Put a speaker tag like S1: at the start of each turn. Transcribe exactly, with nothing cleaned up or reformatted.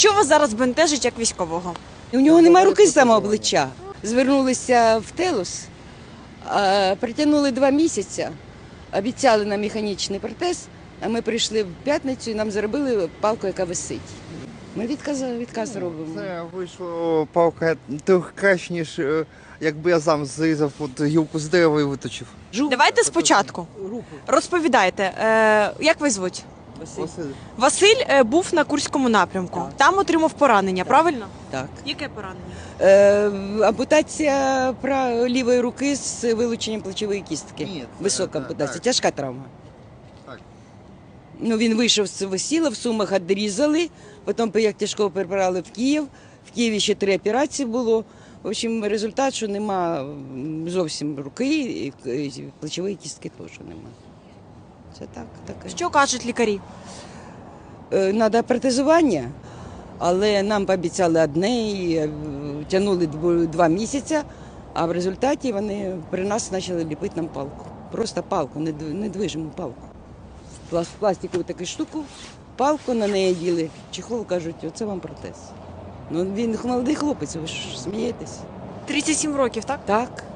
S1: Що вас зараз бентежить як військового?
S2: У нього немає руки з самого обличчя. Звернулися в Телус, а, притягнули два місяці, обіцяли нам механічний протез, а ми прийшли в п'ятницю і нам зробили палку, яка висить. Ми відказ, відказ робимо.
S3: Це вийшло палка трохи краще, ніж е, якби я сам зрізав от гілку з дерева і виточив.
S1: Давайте спочатку. Розповідайте, е, як ви звуть?
S3: Василь.
S1: Василь е, був на Курському напрямку.
S2: Так.
S1: Там отримав поранення, правильно?
S2: Так.
S1: Яке поранення?
S2: Е, ампутація пра- лівої руки з вилученням плечової кістки.
S3: Ні, це-
S2: Висока
S3: так,
S2: ампутація,
S3: так.
S2: тяжка травма.
S3: Так.
S2: Ну, він вийшов з весіла, в Сумах відрізали, потім як тяжко перебрали в Київ. В Києві ще три операції було. В общем, результат, що нема м, зовсім руки, і к- і плечової кістки теж нема. Це так, таке.
S1: Що кажуть лікарі?
S2: Треба протезування, але нам пообіцяли одне і е, тягнули дво- два місяці, а в результаті вони при нас почали ліпити нам палку. Просто палку, недв- недвижиму палку. Плас- Пластикову таку штуку, палку на неї діли, чехол, кажуть, оце вам протез. Ну він молодий хлопець, ви ж смієтесь.
S1: тридцять сім років, так?
S2: Так.